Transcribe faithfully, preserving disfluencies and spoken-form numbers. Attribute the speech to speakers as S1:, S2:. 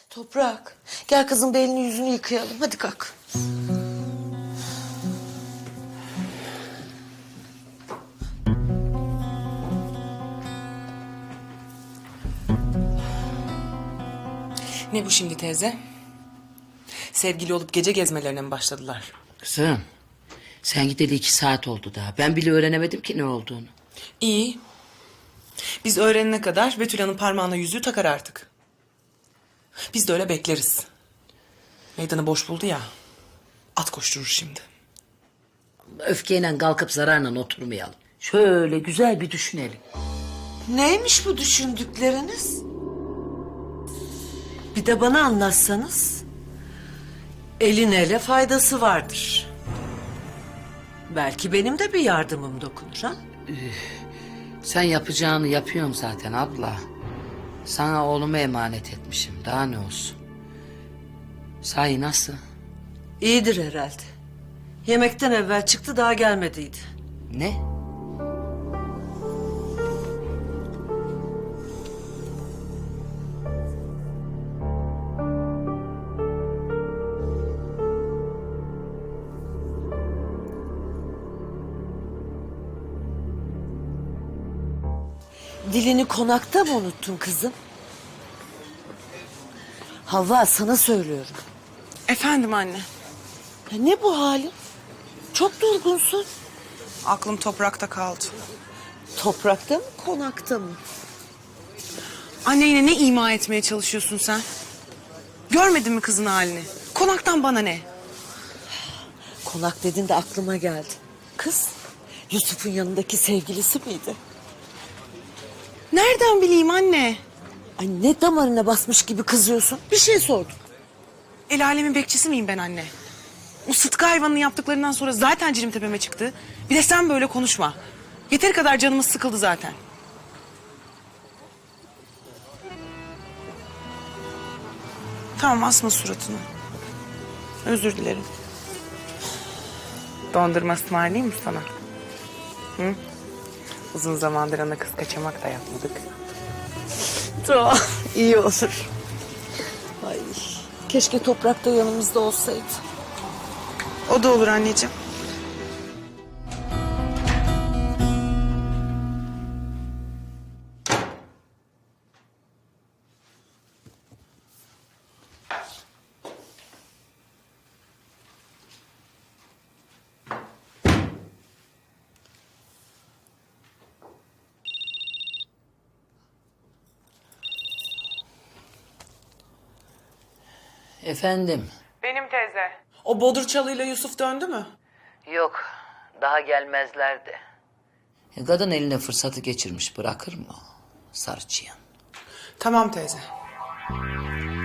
S1: Toprak, gel kızım bir elini yüzünü yıkayalım. Hadi kalk.
S2: Ne bu şimdi teyze? Sevgili olup gece gezmelerine mi başladılar?
S3: Kızım, sen gideli iki saat oldu daha. Ben bile öğrenemedim ki ne olduğunu.
S2: İyi. Biz öğrenene kadar Betül Hanım parmağına yüzüğü takar artık. Biz de öyle bekleriz. Meydanı boş buldu ya. At koşturur şimdi.
S3: Öfkeyle kalkıp zararla oturmayalım. Şöyle güzel bir düşünelim.
S1: Neymiş bu düşündükleriniz? Bir de bana anlatsanız. Elin ele faydası vardır. Belki benim de bir yardımım dokunur ha?
S3: Sen yapacağını yapıyorsun zaten abla. Sana oğlumu emanet etmişim. Daha ne olsun? Sahi nasıl?
S1: İyidir herhalde. Yemekten evvel çıktı daha gelmediydi.
S3: Ne?
S1: Dilini konakta mı unuttun kızım? Havva sana söylüyorum.
S2: Efendim anne.
S1: Ya ne bu halin? Çok durgunsun.
S2: Aklım toprakta kaldı.
S1: Toprakta mı konakta mı?
S2: Anne yine ne ima etmeye çalışıyorsun sen? Görmedin mi kızın halini? Konaktan bana ne?
S1: Konak dedin de aklıma geldi. Kız Yusuf'un yanındaki sevgilisi miydi?
S2: Nereden bileyim anne?
S1: Ay ne damarına basmış gibi kızıyorsun. Bir şey sordum.
S2: El alemin bekçisi miyim ben anne? O Sıtkı hayvanının yaptıklarından sonra zaten cilim tepeme çıktı. Bir de sen böyle konuşma. Yeteri kadar canımız sıkıldı zaten. Tamam asma suratını. Özür dilerim. Dondurma ısmarlayayım mı sana? Hı? Uzun zamandır ana kız kaçamak da yapmadık.
S1: Tamam iyi olur. Ay keşke toprakta yanımızda olsaydı.
S2: O da olur anneciğim.
S3: Efendim?
S2: Benim teyze. O Bodur Çalı'yla Yusuf döndü mü?
S3: Yok, daha gelmezlerdi. E, kadın eline fırsatı geçirmiş, bırakır mı? Sarçıyan.
S2: Tamam teyze.